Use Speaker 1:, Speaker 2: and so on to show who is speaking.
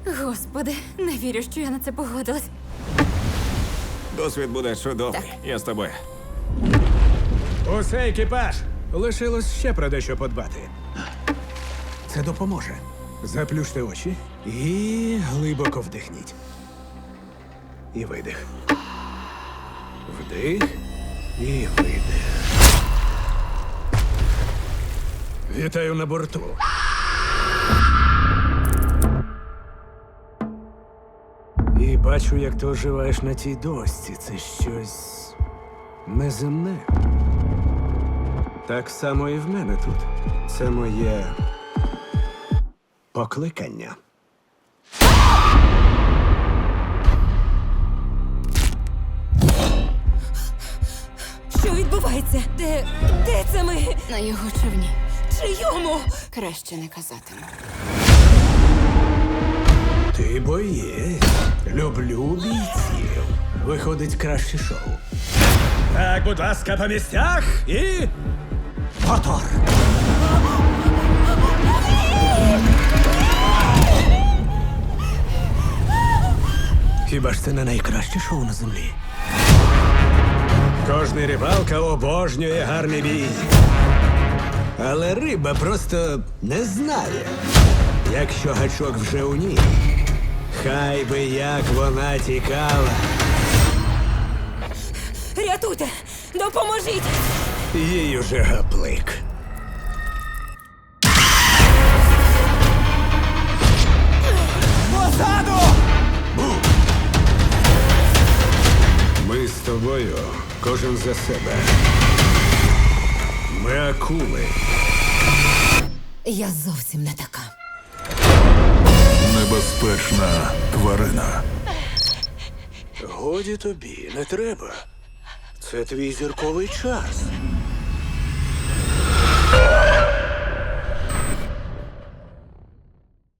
Speaker 1: Господи, не вірю, що я на це погодилась.
Speaker 2: Досвід буде чудовий.
Speaker 1: Так.
Speaker 2: Я з тобою.
Speaker 3: Усе, екіпаж! Лишилось ще про дещо подбати. Це допоможе. Заплющте очі і глибоко вдихніть. І видих. Вдих і видих. Вітаю на борту. І бачу, як ти оживаєш на тій дошці. Це щось неземне. Так само і в мене тут. Це моє покликання.
Speaker 1: Що відбувається? Де це ми?
Speaker 4: На його човні.
Speaker 1: Чийому?
Speaker 4: Краще не казатиму.
Speaker 3: Ти боєць. Люблю бійців. Виходить краще шоу. Так, будь ласка, по місцях і. Мотор! Хіба ж це не найкраще шоу на землі? Кожний рибалка обожнює гарний бій. Але риба просто не знає, якщо гачок вже у ній. Хай би як вона тікала.
Speaker 1: Рятуйте! Допоможіть!
Speaker 3: Їй уже гаплик. Позаду! Ми з тобою, кожен за себе. Ми акули.
Speaker 1: Я зовсім не така.
Speaker 5: Небезпечна тварина.
Speaker 3: Годі тобі, не треба. Це твій зірковий час.